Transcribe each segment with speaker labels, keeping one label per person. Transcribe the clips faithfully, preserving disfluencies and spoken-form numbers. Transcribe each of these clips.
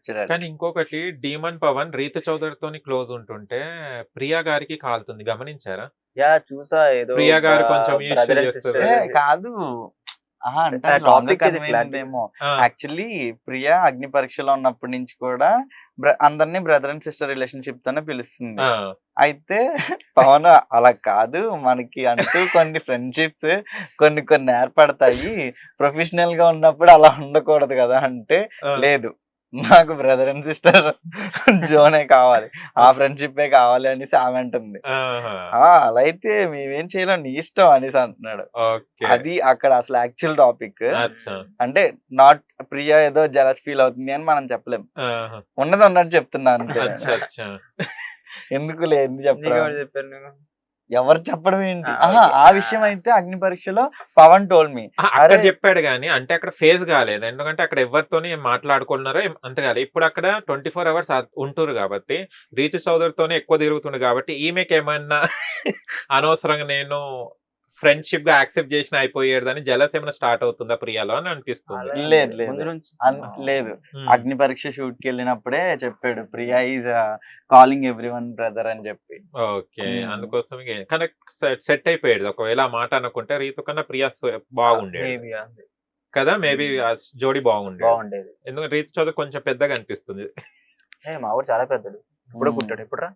Speaker 1: వచ్చాడు.
Speaker 2: కానీ ఇంకొకటి డీమన్ పవన్ రీతు చౌదరితోని క్లోజ్ ఉంటుంటే ప్రియా గారికి కాలుతుంది, గమనించారా?
Speaker 3: యా చూసా ఏదో
Speaker 2: ప్రియా గారు కొంచెం
Speaker 3: బ్రదర్
Speaker 2: ఇష్యూ
Speaker 3: అండ్
Speaker 2: చేస్తారు.
Speaker 3: సిస్టర్
Speaker 1: ఏ, కాదు ఆహా అంటే
Speaker 3: ఆ
Speaker 1: రాంగ్
Speaker 3: టాపిక్ ఇది
Speaker 1: కన్వే
Speaker 3: clarity.
Speaker 1: ఏమో.
Speaker 2: ఆ,
Speaker 1: యాక్చువల్లీ ప్రియా అగ్ని పరీక్షలో ఉన్నప్పటి నుంచి కూడా బ్ర- అందరినీ బ్రదర్ అండ్ సిస్టర్ రిలేషన్షిప్ తోనే పిలుస్తుంది.
Speaker 2: ఆ,
Speaker 1: అయితే పవన్ అలా కాదు, మనకి అంటూ కొన్ని ఫ్రెండ్షిప్స్ కొన్ని కొన్ని ఏర్పడతాయి, ప్రొఫెషనల్ గా ఉన్నప్పుడు అలా ఉండకూడదు కదా అంటే,
Speaker 2: ఆ.
Speaker 1: లేదు నాకు బ్రదర్ అండ్ సిస్టర్ జోనే కావాలి, ఆ ఫ్రెండ్షిప్ కావాలి అనేసి ఆమె అంటుంది.
Speaker 2: ఆహా,
Speaker 1: ఆ అలా అయితే మేమేం చేయలేం, నీ ఇష్టం అనేసి అంటున్నాడు.
Speaker 2: ఓకే.
Speaker 1: అది అక్కడ అసలు యాక్చువల్ టాపిక్.
Speaker 2: అచ్చా.
Speaker 1: అంటే నాట్ ప్రియా ఏదో జలస్ ఫీల్ అవుతుంది అని మనం చెప్పలేం,
Speaker 2: ఆహా,
Speaker 1: ఉన్నది ఉన్నట్టు చెప్తున్నా అంతే.
Speaker 2: అచ్చా అచ్చా.
Speaker 1: ఎందుకు లేదు
Speaker 3: నీకు
Speaker 1: చెప్పడం,
Speaker 3: ఎవరు చెప్పారు నేను
Speaker 1: ఎవరు చెప్పడం ఏంటి.
Speaker 3: ఆ,
Speaker 1: ఆహా
Speaker 3: ఓకే.
Speaker 1: ఆ విషయం అయితే అగ్ని పరీక్షలో పవన్ టోల్ మీ.
Speaker 2: ఆ, అక్కడ
Speaker 1: అరే
Speaker 2: చెప్పాడు కానీ అంటే అక్కడ ఫేజ్ కాలేదు, ఎందుకంటే అక్కడ ఎవరితోని ఏం మాట్లాడుకున్నారో ఏం అంత కాలేదు. ఇప్పుడు అక్కడ ట్వంటీ ఫోర్ అవర్స్ ఉంటురు కాబట్టి రీతు చౌదరితోనే ఎక్కువ తిరుగుతుండు కాబట్టి ఈమెకి ఏమన్నా అనవసరంగా నేను ఫ్రెండ్షిప్ గా యాక్సెప్ట్ చేసిన అయిపోయేదని జలస్ ఏమైనా స్టార్ట్ అవుతుందా ప్రియాలో అని అనిపిస్తుంది.
Speaker 3: అలా ఏం
Speaker 1: లేదు,
Speaker 3: లేదు.
Speaker 1: లేదు.
Speaker 3: ముందు నుంచి
Speaker 1: అన్- లేదు
Speaker 2: ఉమ్.
Speaker 1: అగ్ని పరీక్ష షూట్ కి వెళ్ళినప్పుడే చెప్పాడు Priya is calling everyone brother అని చెప్పి.
Speaker 2: Okay,
Speaker 1: um.
Speaker 2: అందుకోసం కనెక్ట్ సెట్ అయిపోయాడు. ఒకవేళ ఆ మాట అనుకుంటే రీతు కన్నా ప్రియా స- బాగుండేది
Speaker 3: మేబీ
Speaker 2: కదా, మేబీ
Speaker 3: ఉమ్.
Speaker 2: జోడీ బాగుండేది.
Speaker 3: బాగుండేది.
Speaker 2: ఎందుకంటే రీతు చౌదరి కొంచెం పెద్దగా అనిపిస్తుంది.
Speaker 3: ఏ మా ఊరు చాలా పెద్దడు, ఇప్పుడు
Speaker 1: ఉమ్.
Speaker 3: పుట్టాడు ఎప్పుడురా.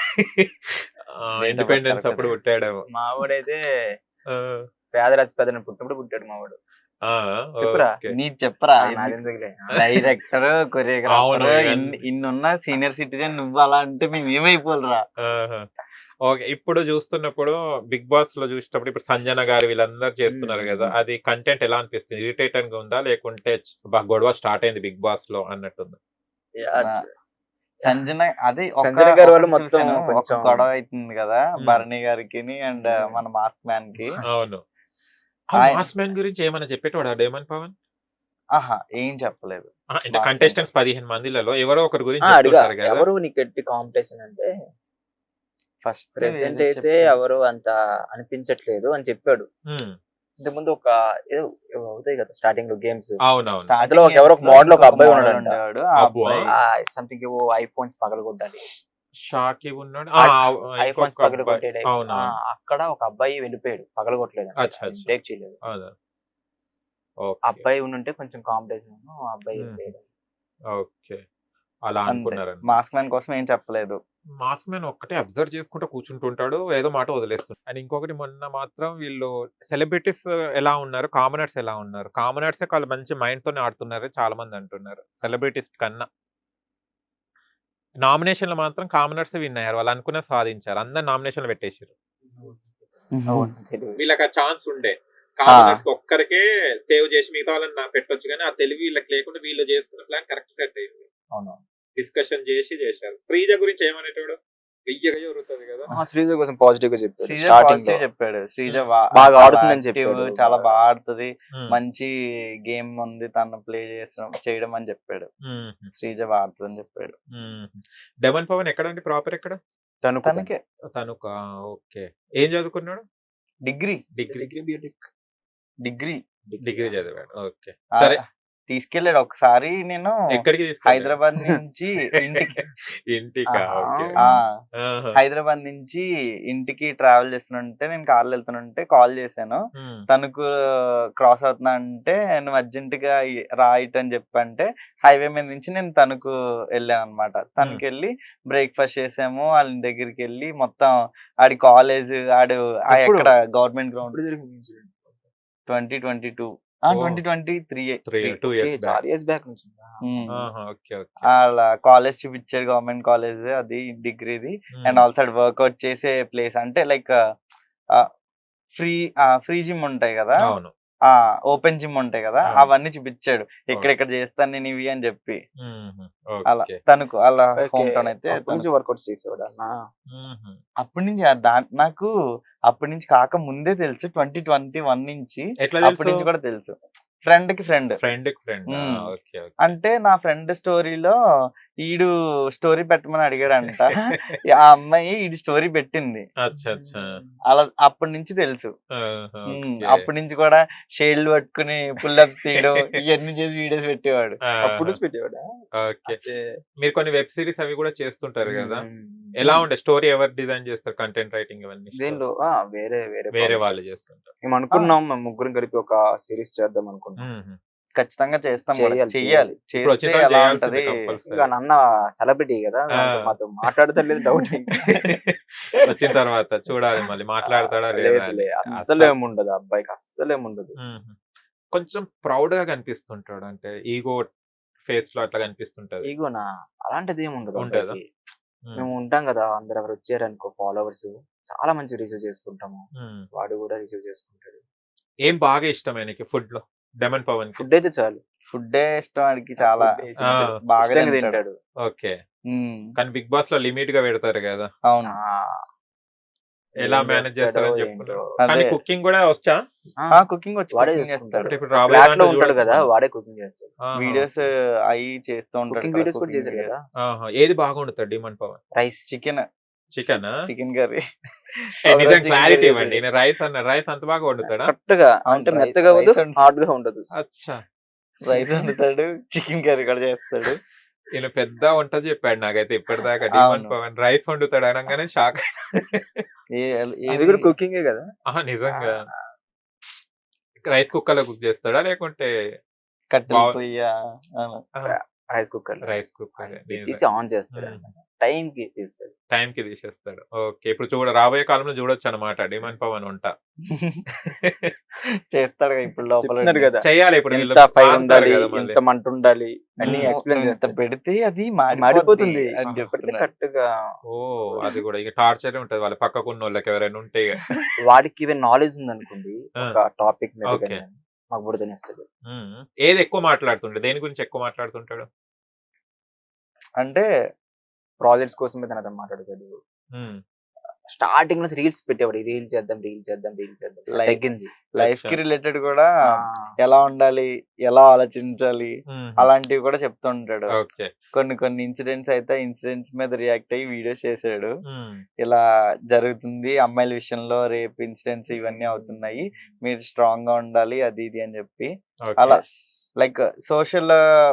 Speaker 2: ఇండిపెండెన్స్ అప్పుడు పుట్టాడేమో.
Speaker 3: మా వాడైతే
Speaker 2: ఆ,
Speaker 3: పేదరాశి పెద్దని పుట్టినప్పుడు పుట్టాడు మా వాడు.
Speaker 2: ఆ,
Speaker 3: చెప్పురా.
Speaker 2: ఓకే.
Speaker 1: నీ చెప్పరా,
Speaker 3: ఆ, నాదెందుకులే.
Speaker 1: డైరెక్టర్ కొరియోగ్రాఫర్
Speaker 2: అవును, ఇవన్నీ.
Speaker 1: ఇన్ని ఇన్నున్న సీనియర్ సిటిజన్ నువ్వు అలా అంటే మేము ఏమైపోలరా.
Speaker 2: ఆహా. ఓకే, ఇప్పుడు చూస్తున్నప్పుడు బిగ్ బాస్ లో చూసినప్పుడు ఇప్పుడు సంజన గారు వీళ్ళందరూ చేస్తున్నారు
Speaker 3: మ్మ్.
Speaker 2: కదా, అది కంటెంట్ ఎలా అనిపిస్తుంది? ఇరిటేటింగ్ గా ఉందా లేకుంటే బా గొడవ స్టార్ట్ అయింది బిగ్ బాస్ లో అన్నట్టుంది?
Speaker 3: యా,
Speaker 1: నా- సంజన అదే ఒక-
Speaker 3: సంజన గారి వాళ్ళు
Speaker 1: ఒకటి
Speaker 3: మొత్తం
Speaker 1: చూశాను, ఒక
Speaker 3: కొంచెం-
Speaker 1: గొడవ అవుతుంది కదా
Speaker 2: మ్మ్.
Speaker 1: భరణి గారికి అండ్
Speaker 3: మ్మ్.
Speaker 1: మన మాస్క్ మ్యాన్ కి.
Speaker 2: అవును,
Speaker 1: ఆయన-
Speaker 2: మాస్ మ్యాన్ గురించి ఏమైనా చెప్పేటోడా డేమన్ పవన్?
Speaker 1: ఆహా ఏం చెప్పలేదు.
Speaker 2: ఆ, అంటే
Speaker 1: Mass
Speaker 2: కంటెస్టెంట్స్ పదిహేను మందిలలో ఎవరో ఒకరి గురించి
Speaker 3: ఆ, అడిగా
Speaker 2: చెప్తుంటారు కదా.
Speaker 3: ఎవరు నీకు ఎట్టి కాంపిటీషన్ అంటే
Speaker 1: ఫస్ట్
Speaker 3: ప్రెసెంట్ అయితే ఎవరు అంత అనిపించట్లేదు అని చెప్పాడు.
Speaker 2: ఉమ్,
Speaker 3: ఇంతకుముందు ఒక ఏదో ఏవో అవుతాయి కదా స్టార్టింగ్ లో గేమ్స్,
Speaker 2: అవునవును.
Speaker 3: అందులో ఒక ఎవరో ఒక model ఒక అబ్బాయి ఉన్నాడంట.
Speaker 1: ఉండేవాడు ఆ
Speaker 2: అబ్బా.
Speaker 1: అబ్బాయి
Speaker 3: సంథింగ్ ఏవో ఐఫోన్స్ పగలగొట్టాలి,
Speaker 2: షాకి ఉన్నాడు.
Speaker 3: ఐఫోన్స్ పగలగొట్టాడు.
Speaker 2: అవును
Speaker 3: ఆ, అక్కడ ఒక అబ్బాయి వెళ్ళిపోయాడు, పగలగొట్టలేదు,
Speaker 2: అచ్చా, అచ్చా.
Speaker 3: బ్రేక్ చేయలేదు.
Speaker 2: అవును.
Speaker 3: ఆ
Speaker 2: ఓకే,
Speaker 3: అబ్బాయి ఉంటే కొంచెం కాంపిటీషన్, ఆ అబ్బాయి
Speaker 2: మ్మ్.
Speaker 3: వెళ్ళిపోయాడు.
Speaker 2: ఓకే, అలా
Speaker 1: అంతే.
Speaker 2: అనుకున్నారని.
Speaker 1: మాస్క్ మ్యాన్ కోసం ఏం చెప్పలేదు.
Speaker 2: మాస్ మ్యాన్ ఒక్కటే అబ్జర్వ్ చేసుకుంటూ కూర్చుంటుంటాడు, ఏదో మాట వదిలేస్తుంది. అండ్ ఇంకొకటి మొన్న మాత్రం వీళ్ళు సెలబ్రిటీస్ ఎలా ఉన్నారు, కామనర్స్ ఎలా ఉన్నారు? కామనర్సే వాళ్ళు మంచి మైండ్ తోనే ఆడుతున్నారు చాలా మంది అంటున్నారు, సెలబ్రిటీస్ కన్నా. నామినేషన్లు మాత్రం కామనర్స్ విన్ అయ్యారు, వాళ్ళు అనుకున్న సాధించారు, అందరు నామినేషన్లు పెట్టేసారు.
Speaker 3: అవును, తెలియదు.
Speaker 2: వీళ్ళకి ఆ ఛాన్స్ ఉండే, కామనర్స్ ఒక్కరికే సేవ్ చేసి మిగతా వాళ్ళని నా పెట్టొచ్చు, కానీ ఆ తెలివి వీళ్ళకి లేకుండా వీళ్ళు చేసుకున్న ప్లాన్ కరెక్ట్ సెట్ అయింది.
Speaker 3: అవును.
Speaker 2: డిస్కషన్ చేసి చేశారు. శ్రీజ గురించి ఏమనేటోడు వెయ్యగా జరుగుతుంది కదా.
Speaker 3: ఆ, శ్రీజ కోసం పాజిటివ్ గా చెప్పాడు
Speaker 1: శ్రీజ
Speaker 3: స్టార్టింగ్ లో.
Speaker 1: పాజిటివ్ చెప్పాడు. శ్రీజ
Speaker 2: మ్మ్.
Speaker 1: బా-
Speaker 3: బాగా
Speaker 1: చాలా
Speaker 3: ఆడుతుందని
Speaker 1: active,
Speaker 3: చెప్పాడు.
Speaker 1: చాలా
Speaker 3: బాగా.
Speaker 1: బాగా ఆడుతుంది,
Speaker 2: ఉమ్,
Speaker 1: మంచి గేమ్ ఉంది తను ప్లే చేసడం చేయడం అని చెప్పాడు.
Speaker 2: ఉమ్,
Speaker 1: శ్రీజ బాగా ఆడుతుంది అని చెప్పాడు.
Speaker 2: ఉమ్. డెమన్ పవన్ ఎక్కడండి ప్రాపర్ ఎక్కడ?
Speaker 3: తణుకు,
Speaker 1: తనకే
Speaker 2: తనుక. ఓకే, ఏం చదువుకున్నాడు?
Speaker 1: డిగ్రీ
Speaker 2: డిగ్రీ
Speaker 1: డిగ్రీ
Speaker 2: డిగ్రీ చదివాడు. ఓకే,
Speaker 1: ఆ,
Speaker 2: సరే.
Speaker 1: తీసుకెళ్ళాడు ఒకసారి. నేను
Speaker 2: ఎక్కడికి తీసుకెళ్ళాడు?
Speaker 1: హైదరాబాద్ నుంచి ఇంటికి
Speaker 2: ఇంటికా?
Speaker 3: ఆహా.
Speaker 2: ఓకే.
Speaker 1: ఆ
Speaker 2: ఆహా.
Speaker 1: హైదరాబాద్ నుంచి ఇంటికి ట్రావెల్ చేస్తుంటే నేను కార్లో వెళ్తుంటే కాల్ చేశాను.
Speaker 2: ఉమ్,
Speaker 1: తనకు క్రాస్ అవుతున్నా అంటే నువ్వు అర్జెంట్ గా ఈ- రా ఇటు అని చెప్పంటే హైవే మీద నుంచి నేను తనకు వెళ్ళాను అనమాట. తనకి వెళ్ళి బ్రేక్ఫాస్ట్ చేసాము, వాళ్ళ దగ్గరికి వెళ్ళి మొత్తం ఆడి కాలేజ్ ఆడు ఆ
Speaker 3: ఎప్పుడు?
Speaker 1: ఎక్కడ గవర్నమెంట్ గ్రౌండ్
Speaker 3: ఎప్పుడు జరిగింది incident?
Speaker 1: Twenty twenty two
Speaker 2: oh.
Speaker 1: Twenty twenty three
Speaker 2: three two
Speaker 3: okay,
Speaker 2: years back.
Speaker 3: చాలా ఇయర్స్ బ్యాక్ నుంచి ఉందా?
Speaker 2: ఆహా, ఓకే ఓకే.
Speaker 1: వాళ్ళ కాలేజ్ చూపించాడు, గవర్నమెంట్ కాలేజ్ అది డిగ్రీది. అండ్ ఆల్సో వర్కౌట్ చేసే ప్లేస్ అంటే లైక్ ఫ్రీ ఫ్రీ జిమ్ ఉంటాయి కదా,
Speaker 2: అవును.
Speaker 1: ఆ ఓపెన్ జిమ్ ఉంటాయి కదా,
Speaker 2: ఆ.
Speaker 1: అవన్నీ చూపించాడు. ఎక్కడెక్కడ చేస్తాను నేను ఇవి అని చెప్పి.
Speaker 2: ఉమ్,
Speaker 1: అలా
Speaker 2: ఓకే.
Speaker 1: తనకు అలా
Speaker 3: ఓకే,
Speaker 1: హోమ్ టౌన్ అయితే
Speaker 3: అప్పటి నుంచి
Speaker 1: తణుకు.
Speaker 3: వర్కౌట్ చేసేవాడు అన్న.
Speaker 2: ఉమ్,
Speaker 1: అప్పటి నుంచి ఆ దా నాకు అప్పటి నుంచి కాక ముందే తెలుసు, ట్వంటీ ట్వంటీ వన్ నుంచి
Speaker 2: ఎట్లా
Speaker 1: అప్పటి
Speaker 2: తెలుసు?
Speaker 1: నుంచి కూడా తెలుసు. ఫ్రెండ్ కి ఫ్రెండ్
Speaker 2: ఫ్రెండ్ కి ఫ్రెండ్.
Speaker 1: ఉమ్.
Speaker 2: Okay okay.
Speaker 1: అంటే నా ఫ్రెండ్ స్టోరీలో ఈడు స్టోరీ పెట్టమని అడిగాడంట. ఆ అమ్మాయి ఈడు స్టోరీ పెట్టింది.
Speaker 2: అచ్చా అచ్చా
Speaker 1: అలా అప్పటి నుంచి తెలుసు.
Speaker 2: ఆహా,
Speaker 1: ఉమ్,
Speaker 2: ఓకే.
Speaker 1: అప్పటి నుంచి కూడా షేడ్లు పట్టుకుని పుల్అప్స్ తీయడం ఇవన్నీ చేసి వీడియోస్ పెట్టేవాడు.
Speaker 3: అప్పుడు
Speaker 2: ఆహా,
Speaker 3: నుంచి పెట్టేవాడా?
Speaker 2: ఓకే.
Speaker 3: అదే.
Speaker 2: మీరు కొన్ని వెబ్ సిరీస్ అవి కూడా చేస్తుంటారు కదా,
Speaker 3: ఉమ్.
Speaker 2: ఎలా ఉండే స్టోరీ ఎవరు డిజైన్ చేస్తారు, కంటెంట్ రైటింగ్ ఇవన్నీ
Speaker 3: దీనిలో ఆ, వేరే వేరే
Speaker 2: వేరే
Speaker 3: publishers.
Speaker 2: వాళ్ళు చేస్తుంటారు.
Speaker 3: మేము అనుకున్నాం మేము ముగ్గురం కలిపి ఒక సిరీస్ చేద్దాం అనుకున్నాం.
Speaker 2: మ్మ్.
Speaker 1: ఖచ్చితంగా చేస్తాం కూడా.
Speaker 3: చేయాలి,
Speaker 1: చెయ్యాలి.
Speaker 2: ఇప్పుడు
Speaker 1: చేస్తే
Speaker 2: వచ్చిన
Speaker 1: ఎలా
Speaker 2: చేయాల్సిందే
Speaker 1: ఉంటది?
Speaker 2: కంపల్సరీ.
Speaker 3: ఇక నన్న సెలబ్రిటీ కదా, దాంతో
Speaker 2: ఆ.
Speaker 3: మాతో మాట్లాడతలేదు డౌట్.
Speaker 2: వచ్చిన తర్వాత చూడాలి మళ్ళీ మాట్లాడతాడా లేదా అని.
Speaker 3: అస్సలు ఏముండదు అబ్బాయికి, అస్సలు ఏముండదు.
Speaker 2: మ్మ్. కొంచెం ప్రౌడ్ గా కనిపిస్తుంటాడు, అంటే ఈగో ఫేస్ లో అట్లా కనిపిస్తుంటది.
Speaker 3: ఈగోనా? అలాంటిది ఏమి ఉండదు
Speaker 2: ఉండదా?
Speaker 3: అబ్బాయికి.
Speaker 2: మ్మ్.
Speaker 3: మేము ఉంటాం కదా, అందరు ఎవరు వచ్చారనుకో ఫాలోవర్స్ చాలా మంచి రిసీవ్ చేసుకుంటాము.
Speaker 2: మ్మ్.
Speaker 3: వాడు కూడా రిసీవ్ చేసుకుంటాడు.
Speaker 2: ఏం బాగా ఇష్టమే నీకు ఫుడ్ లో డెమన్ పవన్ కి?
Speaker 3: ఫుడ్ అయితే చాలు.
Speaker 1: ఫుడ్డే ఇష్టం వాడికి చాలా.
Speaker 3: Food ఏ ఇష్టం.
Speaker 2: ఆ.
Speaker 1: బాగా
Speaker 3: ఇష్టంగా
Speaker 1: తింటాడు.
Speaker 3: తింటాడు.
Speaker 2: ఓకే.
Speaker 1: ఉమ్,
Speaker 2: కానీ బిగ్ బాస్ లో లిమిట్ గా పెడతారు కదా,
Speaker 1: అవును.
Speaker 3: ఆ,
Speaker 2: ఎలా
Speaker 3: ఏం
Speaker 2: మేనేజ్
Speaker 3: చేస్తాడో
Speaker 2: చేస్తారని
Speaker 3: ఏంటో.
Speaker 2: చెప్పుకున్నారు.
Speaker 1: అదే.
Speaker 2: కానీ కుకింగ్ కూడా వచ్చా?
Speaker 3: ఆ,
Speaker 1: ఆ కుకింగ్ వచ్చి
Speaker 3: వాడే
Speaker 1: cooking
Speaker 3: చేసుకుంటాడు.
Speaker 1: చేస్తాడు.
Speaker 2: ఇప్పుడు రాబోయే
Speaker 3: ఫ్లాట్ లో
Speaker 2: దాంట్లో
Speaker 3: ఉంటాడు
Speaker 2: చూడొచ్చు
Speaker 3: కదా,
Speaker 2: మనం.
Speaker 3: వాడే కుకింగ్ చేస్తాడు.
Speaker 2: ఆహా,
Speaker 1: వీడియోస్
Speaker 2: ఓకే.
Speaker 1: అవి చేస్తూ ఉంటాడు.
Speaker 3: కుకింగ్ వీడియోస్ కూడా చేశాడు కదా.
Speaker 2: ఆహా, ఏది బాగా వండుతాడు demon Pavan?
Speaker 3: Rice.
Speaker 1: Chicken
Speaker 2: chicken
Speaker 1: chicken curry.
Speaker 2: నిజం క్లారిటీ ఇవ్వండి. నేను రైస్ అన్న రైస్ అంత బాగా వండుతాడా?
Speaker 3: కరెక్ట్ గా
Speaker 1: అవును,
Speaker 3: అంటే
Speaker 1: rice-
Speaker 3: మెత్తగా ఉండదు,
Speaker 1: rice and-
Speaker 3: హార్డ్ గా ఉండదు.
Speaker 2: అచ్చా,
Speaker 1: రైస్ వండుతాడు, చికెన్ కర్రీ కూడా చేస్తాడు.
Speaker 2: ఈయన పెద్ద వంట చెప్పాడు నాకైతే ఇప్పటిదాకా. డిమన్
Speaker 1: అవును.
Speaker 2: పవన్ రైస్ వండుతాడు అనగానే షాక్.
Speaker 1: ఏ-
Speaker 3: అది
Speaker 1: ఏది
Speaker 3: కూడా కుకింగే కదా.
Speaker 2: ఆహా, నిజంగా రైస్ కుక్కర్ లో కుక్ చేస్తాడా లేకుంటే?
Speaker 1: కట్టెలు
Speaker 2: బావ్-
Speaker 1: పొయ్య అవును.
Speaker 3: రైస్ కుక్కర్
Speaker 2: రైస్ కుక్కర్
Speaker 3: తీసి ఆన్ చేస్తాడు. టైం కి తీస్తాడు.
Speaker 2: టైం కి తీసేస్తాడు. ఓకే, ఇప్పుడు చూడ రాబోయే కాలంలో చూడొచ్చు అనమాట డిమన్ పవన్ వంట.
Speaker 1: చేస్తాడు కదా ఇప్పుడు లోపల
Speaker 3: చెప్తున్నారు కదా,
Speaker 2: చెయ్యాలి ఇప్పుడు వీళ్ళు
Speaker 3: ఎంత ఫైర్
Speaker 2: మారుతారు
Speaker 3: ఉండాలి,
Speaker 2: కదా మళ్ళీ.
Speaker 3: ఎంత మంట ఉండాలి అని
Speaker 2: మ్మ్.
Speaker 3: ఎక్స్ప్లెయిన్
Speaker 1: ఇంత
Speaker 3: చేస్తాడు.
Speaker 1: పెడితే అది
Speaker 3: మాడిపోతుంది
Speaker 1: మాడిపోతుంది అని
Speaker 3: పెడితే
Speaker 1: చెప్తున్నాడు.
Speaker 3: కరెక్ట్ గా.
Speaker 2: ఓ, అది కూడా ఇక టార్చర్ ఉంటది వాళ్ళ పక్కకున్న వాళ్ళకి ఎవరైనా ఉంటే ఇక.
Speaker 3: వాడికి ఈవెన్ నాలెడ్జ్ ఉంది అనుకోండి
Speaker 2: ఆ.
Speaker 3: ఒక టాపిక్ మీద
Speaker 2: ఓకే.
Speaker 3: కానీ, మాకు కూడా తినేస్తాడు.
Speaker 2: మ్మ్. ఏది ఎక్కువ మాట్లాడుతుంటాడు, దేని గురించి ఎక్కువ మాట్లాడుతుంటాడు?
Speaker 1: అంటే
Speaker 3: ప్రాజెక్ట్స్ కోసం అయితే అతను మాట్లాడతాడు.
Speaker 2: మ్మ్.
Speaker 3: స్టార్టింగ్ లో రీల్స్ పెట్టేవాడు, రీల్ చేద్దాం రీల్ చేద్దాం రీల్ చేద్దాం.
Speaker 1: Like-
Speaker 3: తగ్గింది.
Speaker 1: లైఫ్ కి రిలేటెడ్ కూడా
Speaker 3: ఆ,
Speaker 1: ఎలా ఉండాలి, ఎలా ఆలోచించాలి
Speaker 2: మ్మ్.
Speaker 1: అలాంటివి కూడా చెప్తుంటాడు.
Speaker 2: ఓకే.
Speaker 1: కొన్ని కొన్ని ఇన్సిడెంట్స్ అయితే ఇన్సిడెంట్స్ మీద రియాక్ట్ అయ్యి వీడియోస్ చేశాడు.
Speaker 2: మ్మ్.
Speaker 1: ఇలా జరుగుతుంది అమ్మాయిల విషయంలో, రేప్ ఇన్సిడెంట్స్ ఇవన్నీ అవుతున్నాయి, మీరు స్ట్రాంగ్ గా ఉండాలి అది ఇది అని చెప్పి
Speaker 2: ఓకే.
Speaker 1: అలా లైక్ సోషల్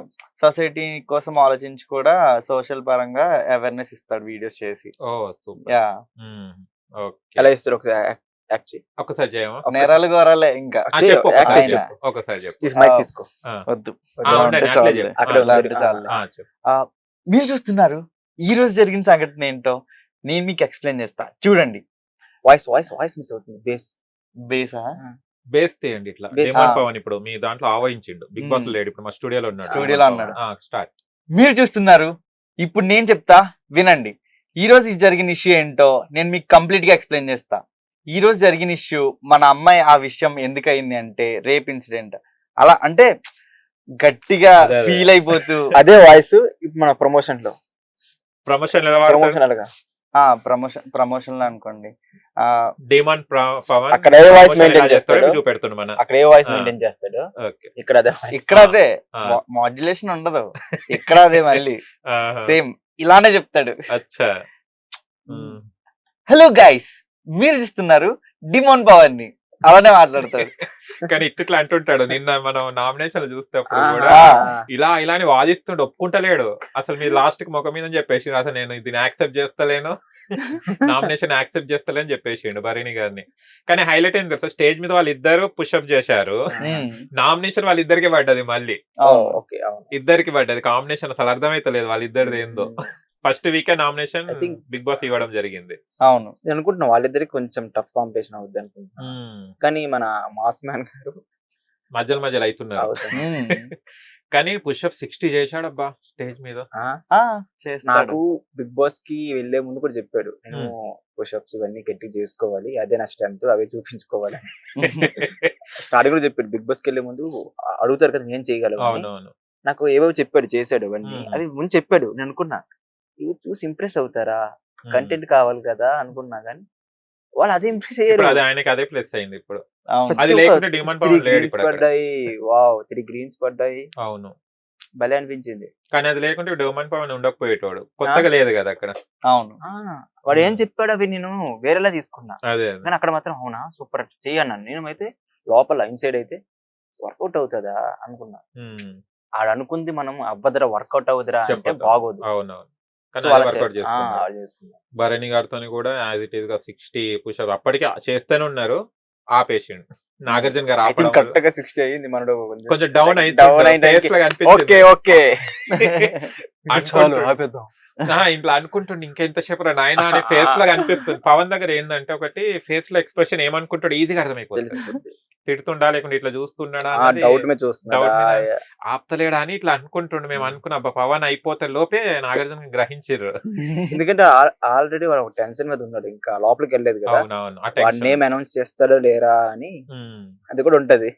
Speaker 1: సొసైటీ కోసం ఆలోచించి కూడా సోషల్ పరంగా అవేర్నెస్ ఇస్తాడు వీడియోస్ చేసి.
Speaker 2: Oh super.
Speaker 1: యా
Speaker 2: మ్మ్. ఓకే,
Speaker 3: ఎలా ఇస్తాడు ఒకసారి యాక్ట్ చేయి.
Speaker 2: ఒకసారి చేయమా?
Speaker 1: నేరాలు గోరాలే ఇంకా
Speaker 2: ఆ,
Speaker 3: చెయ్యి,
Speaker 2: చెప్పు
Speaker 3: యాక్ట్
Speaker 2: ఒకసారి
Speaker 3: చేయి.
Speaker 2: చెప్పు, ఒకసారి చెప్పు.
Speaker 3: తీసి మైక్
Speaker 1: ఆ.
Speaker 3: తీసుకో.
Speaker 2: ఆ.
Speaker 1: వద్దు
Speaker 2: ఆ,
Speaker 1: ఇలా
Speaker 2: ఉండండి,
Speaker 1: ఉంటే
Speaker 2: అట్లే
Speaker 1: చాలులే.
Speaker 2: చెప్పు.
Speaker 3: అక్కడ
Speaker 2: ఆ,
Speaker 1: ఇలా
Speaker 3: ఉంది.
Speaker 1: ఉంటే చాలులే.
Speaker 2: ఆ, చెప్పు.
Speaker 1: ఆ, మీరు చూస్తున్నారు ఈ రోజు జరిగిన సంఘటన ఏంటో నేను మీకు ఎక్స్ప్లెయిన్ చేస్తా చూడండి.
Speaker 3: వాయిస్ వాయిస్ వాయిస్ మిస్ అవుతుంది. బేస్
Speaker 1: బేసా
Speaker 2: బేస్ తీయండి ఇట్లా.
Speaker 3: బేస్,
Speaker 2: డిమాండ్
Speaker 1: ఆ.
Speaker 2: పవన్ ఇప్పుడు మీ దాంట్లో ఆవహించిండు, బిగ్ బాస్
Speaker 1: మ్మ్.
Speaker 2: లేడు, ఇప్పుడు మా స్టూడియోలో ఉన్నాడు.
Speaker 1: స్టూడియోలో
Speaker 2: డిమాండ్
Speaker 1: ఉన్నాడు.
Speaker 2: పవన్. ఆ, స్టార్ట్.
Speaker 1: మీరు చూస్తున్నారు, ఇప్పుడు నేను చెప్తా వినండి. ఈ రోజు ఈ జరిగిన ఇష్యూ ఏంటో నేను మీకు కంప్లీట్ గా ఎక్స్ప్లెయిన్ చేస్తా. ఈ రోజు జరిగిన ఇష్యూ మన అమ్మాయి ఆ విషయం ఎందుకు అయింది అంటే రేప్ ఇన్సిడెంట్. అలా అంటే గట్టిగా
Speaker 2: అదే, అదే.
Speaker 1: ఫీల్ అయిపోతూ
Speaker 3: అదే వాయిస్ ఇప్పుడు మన ప్రమోషన్ లో.
Speaker 2: ప్రమోషన్ ఎలా వాడతారు?
Speaker 3: ప్రమోషన్ అలాగా
Speaker 1: ఆ ప్రమోషన్ ప్రమోషన్ లో అనుకోండి. ఆ
Speaker 2: డిమాండ్ ప్ర- పవన్
Speaker 3: అక్కడ ఏ voice
Speaker 2: promotion
Speaker 3: maintain
Speaker 2: ఎలా చేస్తాడో
Speaker 3: చేస్తాడో?
Speaker 2: చూపెడుతుండు మన.
Speaker 3: అక్కడ ఏ వాయిస్
Speaker 2: ఆ.
Speaker 3: మెయింటైన్ చేస్తాడు,
Speaker 2: ఓకే.
Speaker 3: ఇక్కడ అదే voice.
Speaker 1: ఇక్కడ అదే
Speaker 2: ఆ.
Speaker 1: మాడ్యులేషన్ ఉండదు, ఇక్కడ అదే మళ్ళీ
Speaker 2: ఆహా.
Speaker 1: సేమ్ ఇలానే చెప్తాడు.
Speaker 2: అచ్చా. మ్మ్.
Speaker 1: హలో గైస్, మీరు చూస్తున్నారు డిమోన్ పవన్ ని, అలానే మాట్లాడతాడు.
Speaker 2: కానీ ఇట్లా అంటుంటాడు. నిన్న మనం నామినేషన్ చూసేటప్పుడు
Speaker 3: ఆ,
Speaker 2: కూడా
Speaker 3: ఆ,
Speaker 2: ఇలా ఇలా అని వాదిస్తుండు, ఒప్పుకుంటలేడు. అసలు మీరు లాస్ట్ కి ముఖం మీద చెప్పేసి అసలు నేను దీన్ని యాక్సెప్ట్ చేస్తలేను, నామినేషన్ యాక్సెప్ట్ చేస్తలేని చెప్పేసిండు భరణి గారిని. కానీ హైలైట్ ఏంది తెలుసా, స్టేజ్ మీద వాళ్ళిద్దరు పుష్అప్ చేశారు,
Speaker 1: ఉమ్,
Speaker 2: నామినేషన్ వాళ్ళిద్దరికి పడ్డది, మళ్ళీ
Speaker 3: ఓ,
Speaker 1: అవును.
Speaker 3: ఓకే, అవును.
Speaker 2: ఇద్దరికి పడ్డది కాంబినేషన్. అసలు అర్థమైతలేదు వాళ్ళిద్దరిది ఏందో. ఫస్ట్ వీకే nomination
Speaker 3: I think-
Speaker 2: Bigg Boss ఇవ్వడం జరిగింది.
Speaker 1: అవును.
Speaker 3: నేను అనుకుంటున్నా వాళ్ళిద్దరికి కొంచెం టఫ్ కాంపిటీషన్ అవుద్ది అనుకుంటున్నా. కానీ మన మాస్ మ్యాన్ గారు
Speaker 2: మధ్యలో మధ్యలో అవుతున్నారు.
Speaker 3: అవుతుంది.
Speaker 1: ఉమ్,
Speaker 2: కానీ పుష్అప్ సిక్స్టీ చేశాడబ్బా స్టేజ్ మీద.
Speaker 3: ఆ,
Speaker 1: ఆ, చేస్తాడు.
Speaker 3: నాకు బిగ్ బాస్ కి వెళ్లే ముందు కూడా చెప్పాడు, నేను పుషప్స్ ఇవన్నీ గట్టి చేసుకోవాలి, అదే నా స్ట్రెంత్, అవే చూపించుకోవాలి. స్టార్టింగ్ కూడా చెప్పాడు, బిగ్ బాస్ కి వెళ్లే ముందు అడుగుతారు కదా నేను చేయగలను అని.
Speaker 2: అవునవును.
Speaker 3: నాకు ఏవో చెప్పాడు, చేశాడు అవన్నీ.
Speaker 2: మ్మ్.
Speaker 3: అవి ముందు చెప్పాడు, నేను అనుకున్నా ఇవి చూసి ఇంప్రెస్ అవుతారా, కంటెంట్ కావాలి కదా అనుకున్నా, కానీ వాళ్ళు అదే ఇంప్రెస్ అయ్యారు.
Speaker 2: ఇప్పుడు అది ఆయనకి అదే ప్లస్ అయింది ఇప్పుడు.
Speaker 1: అవును.
Speaker 2: అది లేకుంటే డిమాండ్ పవన్ లేడు ఇప్పుడు అక్కడ.
Speaker 3: పడ్డాయి, వావ్, త్రీ గ్రీన్స్ పడ్డాయి.
Speaker 2: అవును.
Speaker 3: భలే అనిపించింది.
Speaker 2: కానీ అది లేకుంటే డోమన్ పవన్ ఉండకపోయేటోడు. కొత్తగా లేదు కదా అక్కడ.
Speaker 1: అవును.
Speaker 3: ఆ! వాడు ఏం చెప్పాడు అవి నేను వేరేలా తీసుకున్నా.
Speaker 2: అదే.
Speaker 3: కానీ అక్కడ మాత్రం అవునా సూపర్ చెయ్యి అన్నాను. నేను అయితే లోపల ఇన్సైడ్ అయితే వర్కౌట్ అవుతుందా అనుకున్నా.
Speaker 2: హ్మ్.
Speaker 3: ఆడు అనుకుంది మనం అవ్వదురా వర్కౌట్ అవుతురా అంటే
Speaker 2: చెప్పొద్దు.
Speaker 3: బాగోదు.
Speaker 2: అవునవును.
Speaker 3: సో
Speaker 2: కానీ
Speaker 3: అలా
Speaker 2: అది
Speaker 3: చే-
Speaker 2: వర్కౌట్
Speaker 3: ఆ,
Speaker 2: చేసుకున్నాడు.
Speaker 3: అలా చేసుకున్నా.
Speaker 2: భరణి గారితోని కూడా యాజ్ ఇట్ ఈస్ గా సిక్స్టీ పుషప్ అప్పటికే చేస్తూనే ఉన్నారు. ఆపేసిండు. నాగార్జున గారు
Speaker 3: ఐ
Speaker 2: ఆపడం
Speaker 3: థింక్
Speaker 2: వల్ల
Speaker 3: కరెక్ట్ గా సిక్స్టీ అయ్యింది మనడు
Speaker 2: కొంచెం డౌన్ అయితే
Speaker 3: డౌన్ అయింది.
Speaker 2: ఫేస్ లాగా
Speaker 3: ఓకే
Speaker 2: అనిపించింది.
Speaker 3: ఓకే
Speaker 2: అనుకుంటు-
Speaker 1: ఆపేద్దాం.
Speaker 2: ఆ, ఇంట్లో అనుకుంటుండే ఇంకెంతసేపు రా నాయనా అనే ఫేస్ లాగా అనిపిస్తుంది. పవన్ దగ్గర ఏంటంటే ఒకటి ఫేస్ లో ఎక్స్ప్రెషన్ ఏమనుకుంటాడు ఈజీగా అర్థమైపోతుంది.
Speaker 3: తెలిసిపోద్ది.
Speaker 2: తిడుతుండా లేకుంటే ఇట్లా చూస్తున్నాడా
Speaker 3: ఆ
Speaker 2: అన్నది
Speaker 3: డౌట్ మీద చూస్తున్నా
Speaker 2: doubt మీద ఆపుతలేడా అని ఇట్లా అనుకుంటుండే. మేము అనుకున్న అబ్బా పవన్ అయిపోతే లోపే నాగార్జున గ్రహించారు.
Speaker 3: ఎందుకంటే ఆల్రెడీ వాడు ఒక టెన్షన్ మీద ఉన్నాడు, ఇంకా లోపలికి వెళ్ళలేదు కదా.
Speaker 2: అవునవును. ఆ
Speaker 3: వాడి
Speaker 2: టెన్షన్.
Speaker 3: నేమ్ అనౌన్స్ చేస్తాడో లేరా అని
Speaker 2: ఉమ్.
Speaker 3: అది కూడా ఉంటది.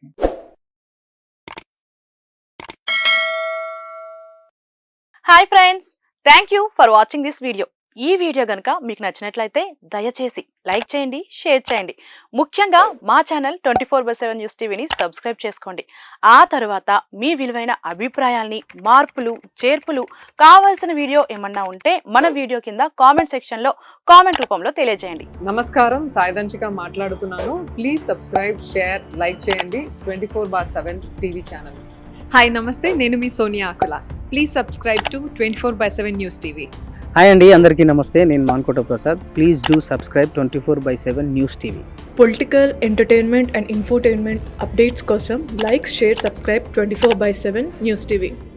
Speaker 4: Hi friends, thank you for watching this video. ఈ వీడియో కనుక మీకు నచ్చినట్లయితే దయచేసి లైక్ చేయండి, షేర్ చేయండి. ముఖ్యంగా మా channel twenty four by seven news టీవీని సబ్స్క్రైబ్ చేసుకోండి. ఆ తర్వాత మీ విలువైన అభిప్రాయాల్ని, మార్పులు చేర్పులు, కావాల్సిన వీడియో ఏమన్నా ఉంటే మన వీడియో కింద కామెంట్ సెక్షన్లో కామెంట్ రూపంలో తెలియజేయండి.
Speaker 5: నమస్కారం, సాయిదంచిక మాట్లాడుతున్నాను. ప్లీజ్ సబ్స్క్రైబ్, షేర్, లైక్ చేయండి twenty four bar seven TV channel.
Speaker 6: Hi నమస్తే, నేను మీ Sonia Akula. Please subscribe to twenty four by seven news TV.
Speaker 7: Hi అండి, అందరికీ నమస్తే. నేను Mankota Prasad. Please do subscribe twenty four by seven news TV.
Speaker 8: Political, entertainment and infotainment updates కోసం like, share, subscribe twenty four by seven news TV.